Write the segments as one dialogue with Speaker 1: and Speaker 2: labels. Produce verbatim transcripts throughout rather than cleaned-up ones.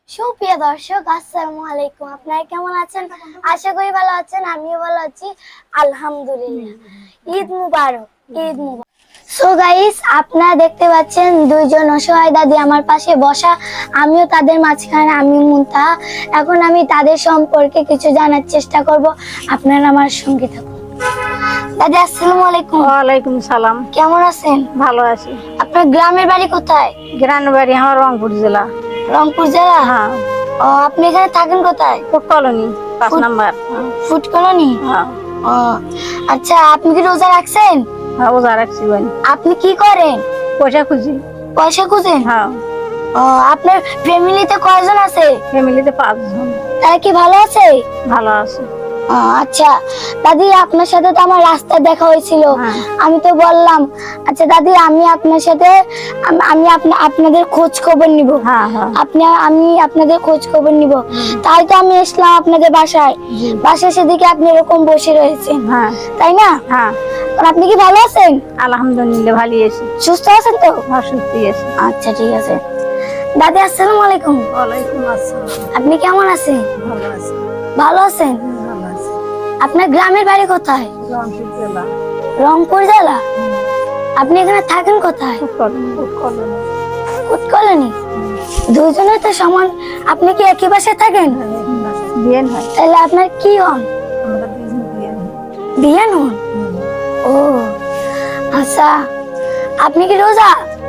Speaker 1: সুপ্রিয় দর্শক, আসসালামু আলাইকুম। আপনারা কেমন আছেন? আশা করি ভালো আছেন। আমিও ভালো আছি, আলহামদুলিল্লাহ। ঈদ মুবারক, ঈদ মুবারক। সো গাইস, আপনারা দেখতে পাচ্ছেন দুইজন অসহায় দাদি আমার পাশে বসা, আমিও তাদের মাঝখানে, আমি মুনতাহা। এখন আমি তাদের সম্পর্কে কিছু জানার চেষ্টা করব। আপনারা আমার সঙ্গে থাকুন। দাদি আসসালামু আলাইকুম।
Speaker 2: ওয়ালাইকুম সালাম।
Speaker 1: কেমন আছেন?
Speaker 2: ভালো আছি।
Speaker 1: আপনার গ্রামের বাড়ি কোথায়?
Speaker 2: গ্রামের বাড়ি আমার রংপুর জেলা।
Speaker 1: রংপুর জেলা?
Speaker 2: হ্যাঁ।
Speaker 1: ও, আপনি এখানে থাকেন কোথায়?
Speaker 2: ফুড কলোনি, পাঁচ
Speaker 1: ফুড-
Speaker 2: নাম্বার।
Speaker 1: Food colony?
Speaker 2: হ্যাঁ।
Speaker 1: ও আচ্ছা, আপনি কি রোজা রাখছেন?
Speaker 2: হ্যাঁ, রোজা রাখছি। বোন,
Speaker 1: আপনি কি করেন?
Speaker 2: পয়সা খুঁজি।
Speaker 1: পয়সা খুঁজেন?
Speaker 2: হ্যাঁ।
Speaker 1: ও, আপনার ফ্যামিলিতে কয়জন আছে?
Speaker 2: ফ্যামিলিতে পাঁচজন।
Speaker 1: তারা কি ভালো আছে?
Speaker 2: ভালো আছে।
Speaker 1: ও, আচ্ছা দাদি, আপনার সাথে তো আমার রাস্তায় দেখা হয়েছিল।
Speaker 2: হ্যাঁ।
Speaker 1: আমি তো বললাম, আচ্ছা দাদি, আমি আপনার সাথে আম- আমি আপনা- আপনাদের খোঁজ খবর নিব।
Speaker 2: হ্যাঁ হ্যাঁ।
Speaker 1: আপনি আমি আপনাদের খোঁজ খবর নিব, তাই তো আমি এসলাম আপনাদের বাসায়।
Speaker 2: জি।
Speaker 1: বাসায় সেদিকে আপনি এরকম বসে রয়েছেন,
Speaker 2: হ্যাঁ
Speaker 1: তাই না?
Speaker 2: হ্যাঁ।
Speaker 1: আর আপনি কি ভালো আছেন?
Speaker 2: আলহামদুলিল্লাহ ভালো আছি।
Speaker 1: সুস্থ আছেন তো?
Speaker 2: অসুস্থ আছি।
Speaker 1: আচ্ছা, ঠিক আছে। দাদি আসসালামু আলাইকুম।
Speaker 2: ওয়ালাইকুম আসসালাম।
Speaker 1: আপনি কেমন আছেন?
Speaker 2: ভালো আছি।
Speaker 1: ভালো আছেন?
Speaker 2: ভালো আছি।
Speaker 1: আপনার গ্রামের বাড়ি কোথায়?
Speaker 2: রংপুর জেলা।
Speaker 1: রংপুর জেলা? আপনি এখানে থাকেন কোথায়?
Speaker 2: Food colony. Food colony.
Speaker 1: উৎকলনি? দুজনে তো সমান। আপনি কি একই বাসায় থাকেন?
Speaker 2: বিয়েন হয়।
Speaker 1: তাহলে আপনার কি হন?
Speaker 2: আমরা দুজন বিয়েন।
Speaker 1: বিয়ান হন? ও আচ্ছা, আপনি কি রোজা?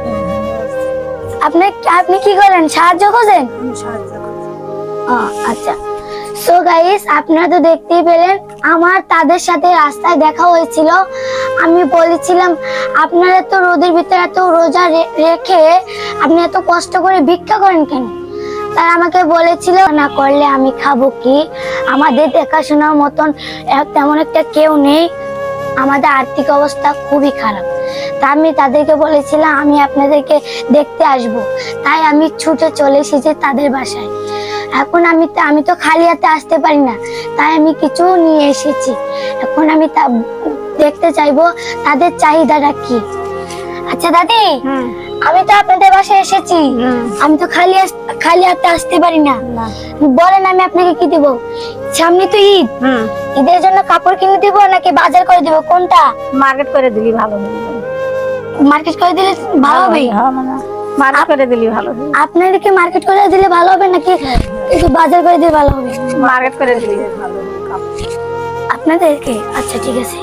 Speaker 1: আপনি আপনি কি করেন? সাহায্য করেন?
Speaker 2: সাহায্য করি।
Speaker 1: ও, আচ্ছা। সো গাইস, আপনারা তো দেখতেই পেলেন, আমার তাদের সাথে রাস্তায় দেখা হয়েছিল। আমি বলেছিলাম, আপনারা তো রোদের ভিতরে এত রোজা রে- রেখে আপনি এত কষ্ট করে ভিক্ষা করেন কেন? তারা আমাকে বলেছিল, না করলে আমি খাবো কি? আমাদের দেখাশোনার মতন এক- তেমন একটা কেউ নেই, আমাদের আর্থিক অবস্থা খুবই খারাপ। তা আমি তাদেরকে বলেছিলাম আমি আপনাদেরকে দেখতে আসব, তাই আমি ছুটে চলে এসেছি তাদের বাসায়। এখন আমি আমি তো খালি হাতে আসতে পারি না, তাই আমি কিছু নিয়ে এসেছি। এখন আমি তা দেখতে চাইবো তাদের চাহিদাটা কি। আচ্ছা দাদি,
Speaker 2: হুম।
Speaker 1: আমি তো আপনাদের বাসায় এসেছি,
Speaker 2: হুম।
Speaker 1: আমি তো খালি আস- খালি হাতে আসতে পারি না।
Speaker 2: না।
Speaker 1: বলেন, আমি আপনাকে কি দিব? সামনে তো ঈদ,
Speaker 2: হুম।
Speaker 1: ঈদের জন্য কাপড় কিনে দিব নাকি বাজার করে দিব, কোনটা?
Speaker 2: মার্কেট করে দিলি ভালো হবে।
Speaker 1: মার্কেট করে দিলে ভালো হবে?
Speaker 2: হ্যাঁ, মানে মার্কেট করে দিলি ভালো হবে।
Speaker 1: আপনাদেরকে মার্কেট করে দিলে ভালো হবে নাকি একটু বাজার করে দিলে ভালো হবে?
Speaker 2: মার্কেট করে দিলি ভালো হবে।
Speaker 1: আপনাদেরকে? আচ্ছা, ঠিক আছে।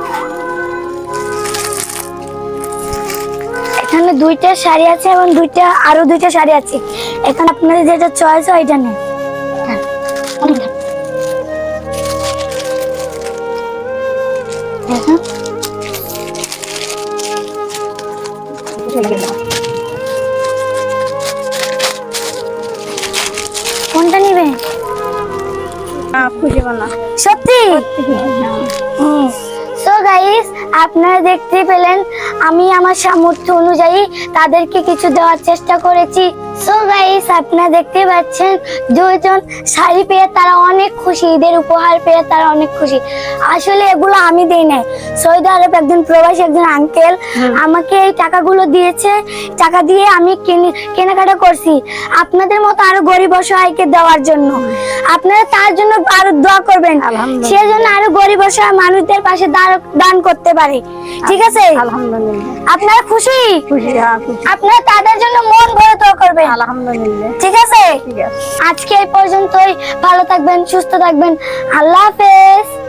Speaker 1: এখানে দুইটা শাড়ি আছে এবং দুইটা আরো দুইটা শাড়ি আছে। এখানে আপনাদের যেটা চয়েস হয় এটা নেন। হ্যাঁ, অনেক দাম। দেখুন। কোনটা নিবেন?
Speaker 2: হ্যাঁ, খুঁজে বানা।
Speaker 1: সত্যি? সো গাইস, আপনারা দেখতে পেলেন আমি আমার সামর্থ্য অনুযায়ী তাদেরকে কিছু দেওয়ার চেষ্টা করেছি। সো গাইস, আপনারা দেখতে পাচ্ছেন দুইজন শাড়ি পেয়ে তারা অনেক খুশি, ঈদের উপহার পেয়ে তারা অনেক খুশি। আসলে এগুলো আমি দেই নাই, সৌদি আরব একজন প্রবাসী একজন আঙ্কেল আমাকে এই টাকাগুলো দিয়েছে। টাকা দিয়ে আমি কেনে- কেনাকাটা করছি আপনাদের মতো আরো গরিব অসহায়কে দেওয়ার জন্য। আপনারা তার জন্য আরো দোয়া করবেন,
Speaker 2: আলহামদুলিল্লাহ।
Speaker 1: সেজন্য আরো গরিব অসহায় মানুষদের পাশে দান- দান করতে পারে। ঠিক আছে?
Speaker 2: আলহামদুলিল্লাহ।
Speaker 1: আপনারা খুশি?
Speaker 2: খুশি। হ্যাঁ, খুশি।
Speaker 1: আপনারা তাদের জন্য মন ভরে দোয়া করবেন।
Speaker 2: আলহামদুলিল্লাহ।
Speaker 1: ঠিক আছে?
Speaker 2: ঠিক আছে।
Speaker 1: আজকে এই পর্যন্তই। ভালো থাকবেন, সুস্থ থাকবেন। আল্লাহ হাফেজ।